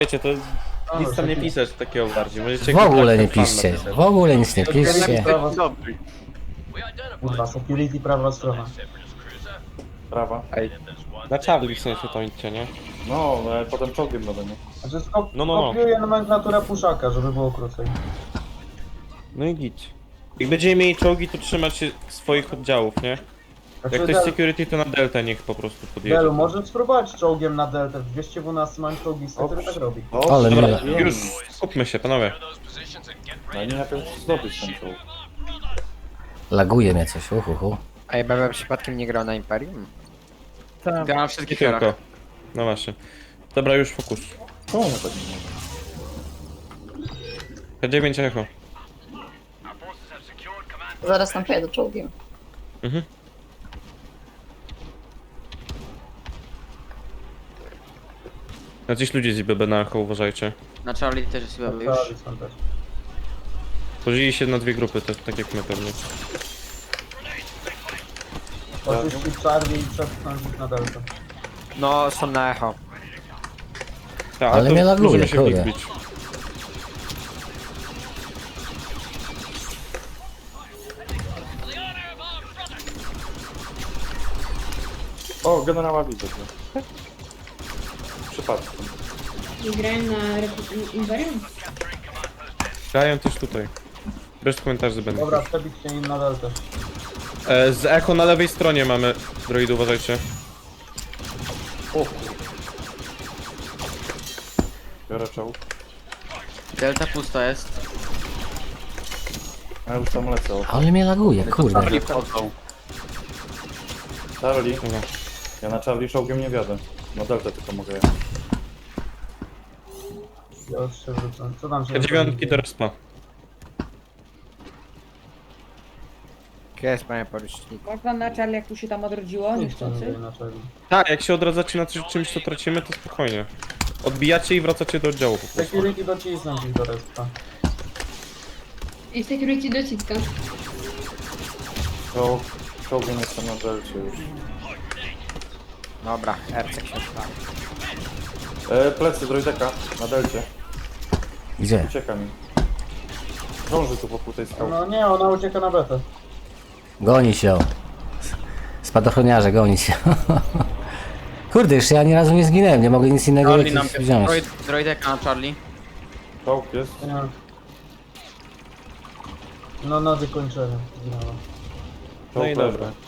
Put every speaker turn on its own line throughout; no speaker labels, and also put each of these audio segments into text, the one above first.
Wiecie, to nic tam nie pisać takiego bardziej. Możecie
W ogóle nie
fan
piszcie,
napisać.
w ogóle nic nie piszcie.
Kurwa, security prawa strona.
Prawa.
Ej, na Charlie w sensie to idźcie, nie?
No, ale potem czołgiem będę, nie?
Znaczy
No.
kopiuję nomenklaturę puszaka, żeby było krócej.
No i git. Jak będziemy mieli czołgi, to trzymać się swoich oddziałów, nie?
Znaczy,
Jak ktoś security, to na delta niech po prostu podjedzie.
Delu, może spróbować czołgiem na deltę. W 212 mam czołgista, który tak robi.
Ale
Dobra,
mile.
już skupmy się, panowie.
No nie najpierw zdobyć ten czołg.
Laguje mnie coś, uhuhu.
A ja bym przypadkiem nie grał na Imperium?
Tak.
Grałem na
Nie
wszystkich
tylko.
torach.
No właśnie. Dobra, już fokus.
Czemu nie tak nie
P9 echo.
Zaraz tam pojadę czołgiem.
Mhm. Jacyś ludzie z IBB na echo, uważajcie.
Na Charlie też jest chyba już.
Tak, są też.
Podzieli się na dwie grupy, tak jak my pewnie.
Oczyścić Charlie i przepchnąć ich na deltę.
No, są na echo.
Tak,
Ale
to
mnie laguje,
możemy się w nich
kurde.
bić.
O, generała widzę tu. Przypadkiem.
Nie grałem na Imperium?
Grają też tutaj. Bez komentarzy będę.
Dobra, przebić się im na deltę.
Z echo na lewej stronie mamy droidy, uważajcie.
O kurde. Biorę czołg.
Delta pusta jest.
A już tam lecę. O.
Ale mnie laguje, kurde.
Charlie.
Dobra.
Ja na Charlie czołgiem nie wiadę. Na deltę tylko mogę jechać.
Ja już się wrócę. Co tam się
Dziewiątki do respa.
Gdzie jest panie porucznik?
Można na Charlie, jak tu się tam odrodziło,
Nikt tam nie
niechcący.
wie na Charlie.
Tak, jak się odradzacie na czymś, co tracimy, to spokojnie. Odbijacie i wracacie do oddziału po prostu.
Security docisnąć ich do respa.
I security dociska.
Czołgiem jestem na delcie już.
Dobra, Ercek się odpala.
Plecy droideka na delcie.
Gdzie?
Ucieka mi. Krąży tu wokół tej skały.
No nie, ona ucieka na betę.
Goni się. Spadochroniarze, goni się. Kurde, jeszcze ja ani razu nie zginęłem, nie mogę nic innego
Charlie nam
wziąć.
droideka na Charlie.
Czołg jest.
Nie. No na wykończenie zginęła.
No i
Czołg
dobra.
leży.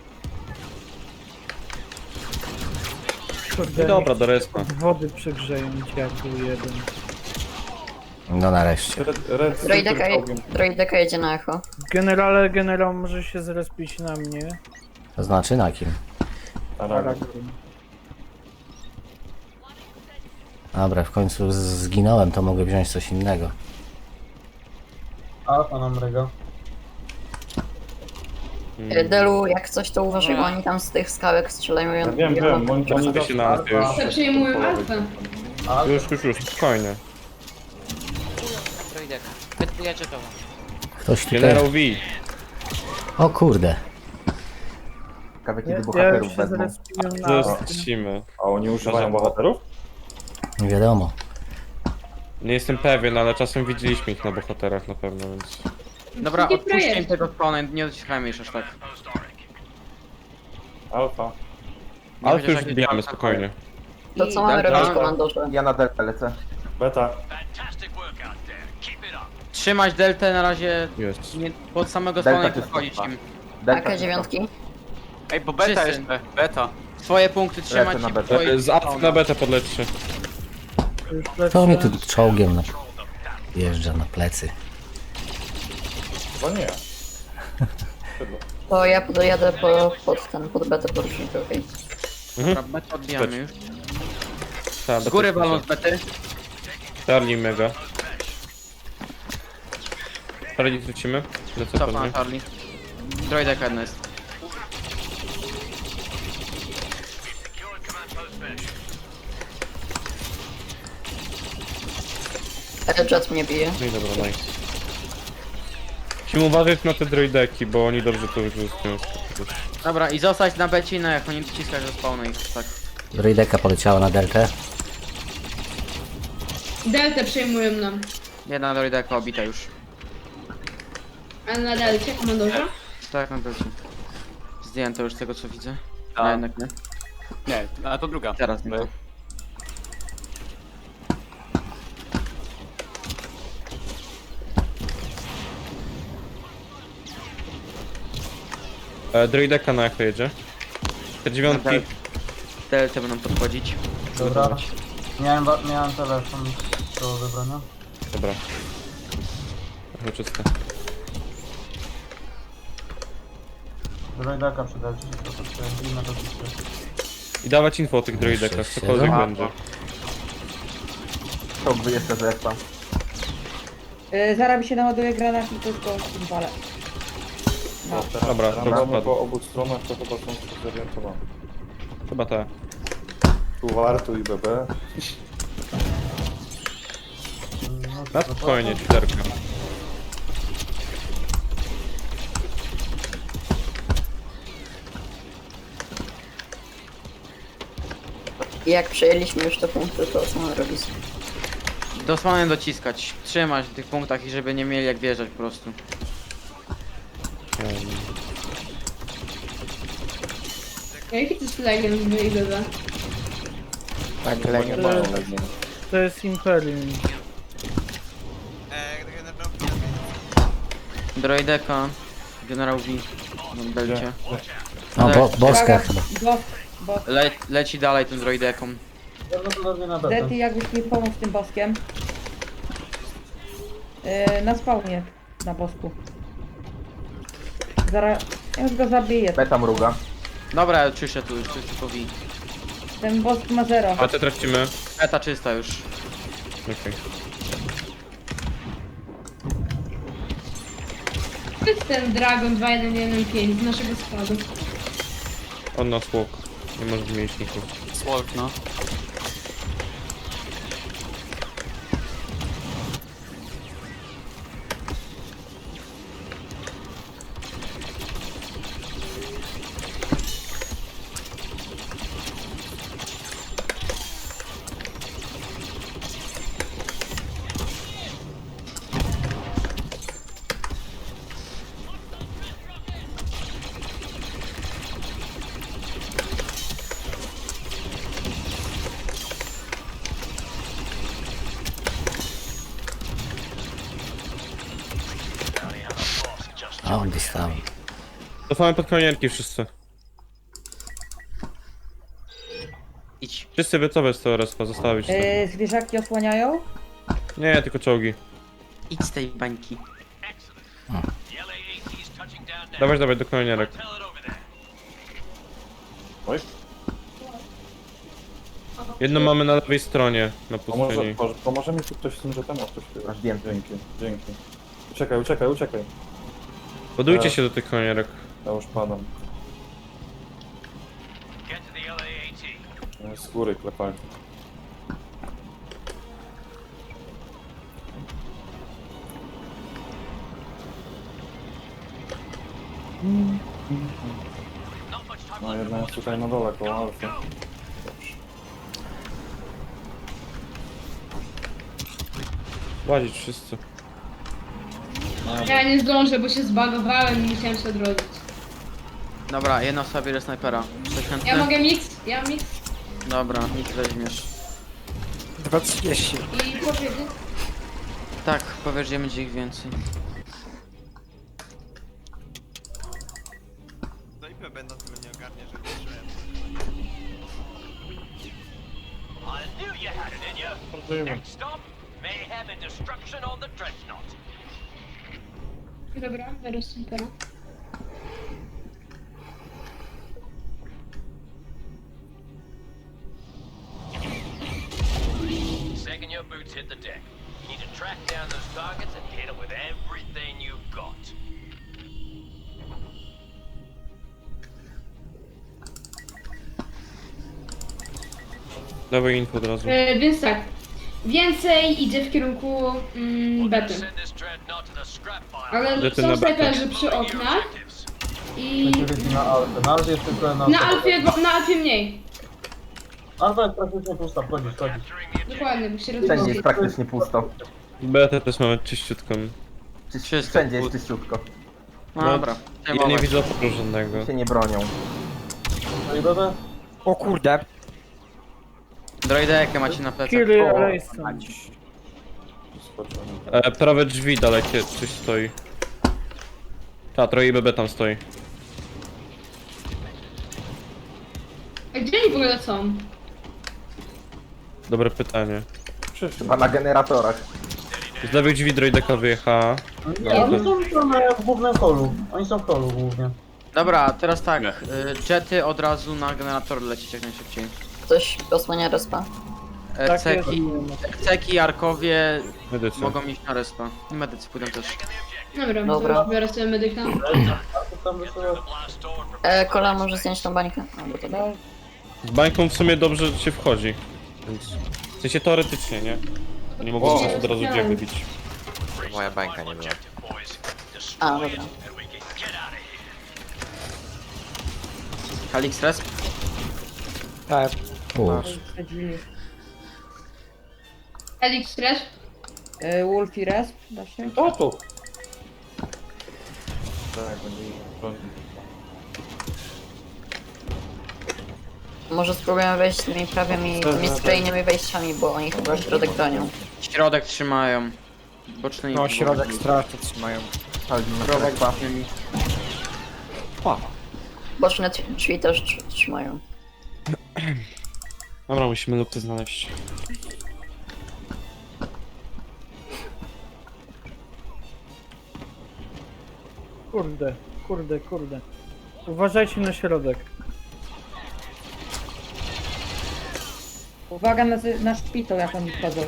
I dobra, do respa.
Wody przegrzeją dziadu jeden.
No nareszcie.
Red
Droideka,
czołgiem.
droideka jedzie na echo.
Generał może się zrespić na mnie.
To znaczy na kim?
Aragon.
Aragorn.
Dobra, w końcu zginąłem, to mogę wziąć coś innego.
Alfa nam rega.
Delu, jak coś to uważaj, bo oni tam z tych skałek strzelają.
Ja wiem, oni
Czekaj się na nas już.
To przejmują alfę.
Już, spokojnie.
Droideka. Wytujecie to.
Ktoś tutaj...
Generał V.
O kurde.
Ja już się zrespiłem na...
Zostacimy.
A oni używają bohaterów?
Nie wiadomo.
Nie jestem pewien, ale czasem widzieliśmy ich na bohaterach na pewno, więc...
Dobra,
Taki
odpuśćcie im
projekt.
tego spawna, nie dociskajmy już aż tak.
Alfa.
Nie
Ale
chociaż
już
jakieś
wbijamy
alfa.
spokojnie.
To co mamy
Delta-
robić, komandorze?
Ja na delta lecę.
Beta.
Trzymać deltę na razie
Jest.
nie, pod samego
Delta
spawna i
czysto.
podchodzić im.
Delta
AK-9?
Ej, bo beta jest. Beta. Swoje punkty trzymać
Lecę na
i
betę.
swoje...
Z apsy na betę podlećcie.
Już
To mnie
lecę.
tu czołgiem wjeżdża na plecy.
Bo nie.
To ja podjadę pod betę porucznikowej.
Dobra, betę odbijamy już.
Ta,
Z góry
betę
walą z bety.
Charlie mega. Charlie tracimy. Lecę
Cofa
pewnie.
na Charlie. Droideka jedna jest.
Jet mnie bije.
No i dobra, nice. Musimy uważać na te droideki, bo oni dobrze to wykorzystują.
Dobra, i zostać na becie, no jak oni dociskać do spawna i tak.
Droideka poleciała na deltę.
Deltę przejmują nam.
Jedna droideka obita już.
A na delcie, komandorze?
Tak, na delcie. Zdjęto już z tego co widzę.
Tak.
A jednak nie.
Nie, a to druga.
Teraz nie.
My-
Droideka na echo jedzie. Te dziewiątki.
Delce będą podchodzić.
Dobra. Miałem telefon do odebrania.
Dobra. Trochę czyste.
Droidaka przydać, to jest inne to jest.
I dawać info o tych droidekach,
Jeszcze
cokolwiek
siedem.
będzie.
To jeszcze z expa.
Zaraz mi się naładuje granat i tylko walę. No.
Dobra, to
Mamy
spadł.
po obu stronach, to chyba są zorientowane.
Chyba tak.
Tu war, tu i BB.
Na spokojnie, literka.
I jak przejęliśmy już te punkty, to co mamy robić?
Dosłownie dociskać. Trzymać w tych punktach i żeby nie mieli jak wjeżdżać po prostu.
Jaki to jest legend w IBB?
To jest Imperium.
Droideka. Generał V. Na delcie.
No, boska chyba.
Leci dalej tym droideką.
Prawdopodobnie na delta.
Dety, jakbyś mi pomógł z tym boskiem. Na spawnie, na bosku. Zaraz, ja już go zabiję.
Beta mruga.
Dobra, czyszczę tu już, to jest tylko V.
Ten bosk ma 0.
A te tracimy.
Eta czysta już.
Okej.
To jest ten Dragon 2115 z naszego składu.
On nas łok. Nie może zmienić nikogo.
Słok, no.
A on dostał.
Cofamy pod konierki wszyscy.
Idź.
Wszyscy wycowe z tego respa, zostawić to.
Zwierzaki osłaniają.
Nie, tylko czołgi.
Idź z tej bańki.
Dawać, dawać do konierek.
Oj,
Jedno mamy na lewej stronie, na
a może,
pustyni.
pomoże mi tu ktoś z tym jetem? O, ktoś chyba. Dzięki, dzięki. Uciekaj, uciekaj.
Budujcie się do tych konierek.
Ja już padam. Z góry klepali. No jedna jest tutaj na dole koło Alfy.
Łazić wszyscy.
Ja nie zdążę, bo się zbagowałem i musiałem się odrodzić.
Dobra, jedna osoba bierze snajpera. Ktoś chętny?
Ja mogę mix? Ja mix?
Dobra, nic weźmiesz.
2.30.
I powiedzieć?
Tak, powiesz, że będzie ich więcej.
Dobra, teraz super.
Second your boots hit the deck, you need to track down those targets and hit them with everything you've got.
Dawaj info od razu.
Więc tak. Więcej idzie w kierunku bety.
Send this dreadnought to the scrap pile.
Ale
Bety
są
na betę.
snajperzy przy oknach. I
Security na Alfę. Na Alfie jest tylko na
na Alfie mniej.
Albo jest praktycznie pusta, wchodzisz.
Dokładnie, bo się
Wszędzie
rozwodzi.
jest praktycznie pusto.
BT też mamy czyściutką.
Wszystko.
Wszędzie jest czyściutko.
Dobra.
Ja nie widzę oporu żadnego.
Się nie bronią. No i BB?
O kurde.
Droidekę macie na plecach.
Killer Rayson.
Prawe drzwi dalekie, coś stoi. Ta, troje BB tam stoi.
A gdzie oni w ogóle są?
Dobre pytanie.
Chyba na generatorach.
Z lewych drzwi droideka wyjechała.
Nie, oni są w głównym holu. Oni są w holu głównie.
Dobra, teraz tak. Jety od razu na generator lecieć jak najszybciej.
Ktoś osłania respa.
Tak
Ceki,
jest.
Ceki, Arkowie
Medycy.
mogą iść na respa. I medycy pójdą też.
Dobra,
Dobra.
to biorę sobie medyka.
Tam wysyła.
Kola może zdjąć tą bańkę. Albo to
No,
Z bańką w sumie dobrze się wchodzi. Więc... W sensie teoretycznie, nie? Nie mogą od razu gdzie wybić.
Moja bańka nie była.
A, dobra.
Kalix resp.
Tak.
te drzwi.
Elix Fresh.
Wolf i Resp, da się?
O tu! Tak, będzie rządzić.
Może spróbujemy wejść tymi prawymi, tymi skrajnymi wejściami, bo oni chyba środek bronią.
Środek trzymają. Bocznymi.
No, środek strasznie trzymają.
Środek
bocznymi.
Boczne drzwi też trzymają.
Dobra, musimy lupy znaleźć.
Kurde. Uważajcie na środek.
Uwaga na szpital, jak oni wchodzą.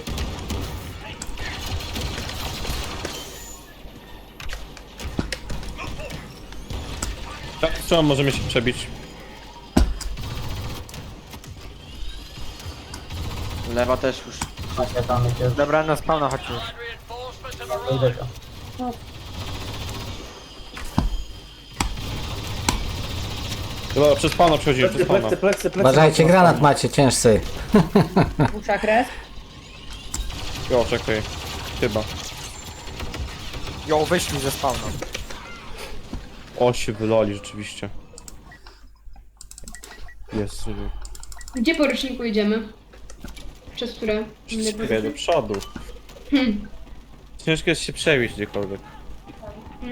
Tak, strzał możemy się przebić.
Lewa też już.
Tam jest
Dobra, na spawna chodź już.
droideka.
Dobra, przez pana przechodzimy, przez pana.
Uważajcie, granat macie cięższy.
Puszak Resp.
Jo, czekaj. Chyba.
Jo, wyszli ze spawna.
O, się wylali rzeczywiście. Jest, żeby...
Gdzie po roczniku idziemy? Przez które?
Wszystkie do przodu. Ciężko jest się przebić gdziekolwiek.
No,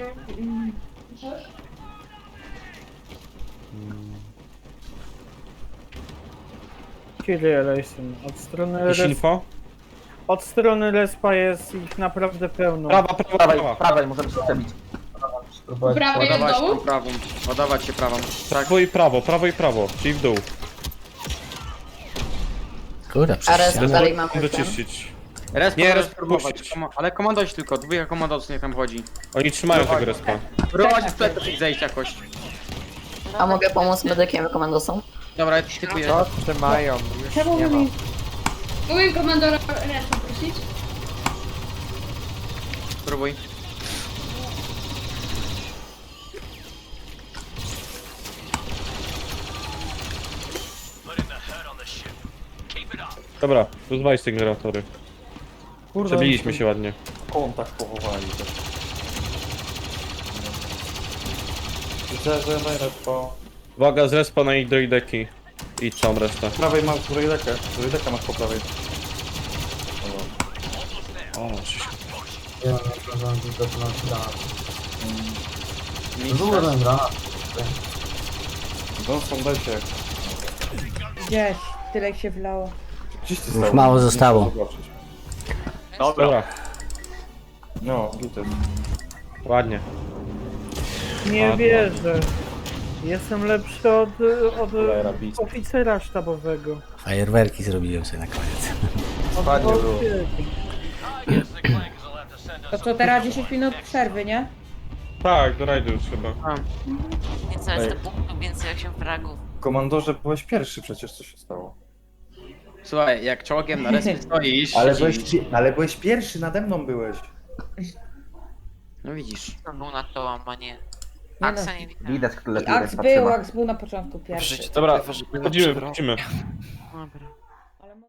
Killer Rayson.
Jakieś info?
Od strony Respa jest ich naprawdę pełno.
Prawa.
Prawej możemy się przebić. Spróbować.
Prawej jest
Ładować
dołu?
tą prawą. Ładować się prawą.
Prawo i prawo, czyli w dół.
Kurde,
A res
przecież...
dalej mamy ten.
Wyczyścić.
Resp
Nie,
nie
resp
spróbować.
puścić.
Ale komandować tylko. Dwójka komandosów niech tam chodzi.
Oni trzymają tego respa.
Próbować w plecach ich zejść jakoś.
A mogę pomóc medykiem komandosom?
Dobra, typuję.
Co trzymają? Już
Czemu
nie ma.
mi...
Mogę komandora raz poprosić?
Spróbuj.
Dobra, rozwalić te generatory. Przebiliśmy się ładnie.
Kontakt pochowali też. Widzę, że najlepsza.
Uwaga, z respa na ich droideki. I całą resztę.
Prawej masz droidekę. Droidekę masz po prawej.
O, coś...
Ja nie zdążyłem dotknąć granat.
Nic.
Dużo ten granat.
No, są dajcie.
Gdzieś, tyle się wlało.
Gdzieś ty
Już
stał?
mało
Nie
zostało.
chcę zobaczyć.
Dobra,
No, gity.
ładnie.
Nie
Ładnie.
wierzę. Jestem lepszy od
Cholera, beast.
oficera sztabowego.
Fajerwerki zrobiłem sobie na koniec.
Ładnie było.
To co, teraz 10 minut przerwy, nie?
Tak, do rajdu już chyba.
Nie co jest do punktu, więcej 8 fragów.
Komandorze, byłeś pierwszy przecież, co się stało.
Słuchaj, jak czołgiem na respie stoisz,
Ale byłeś pierwszy, nade mną byłeś.
no widzisz.
Był na to łamanie.
no.
Aksa nie widać.
Widać, kto
I
lepiej
Ax
respa
był,
trzyma.
Ax był na początku pierwszy.
Dobra, wchodzimy.
Dobra.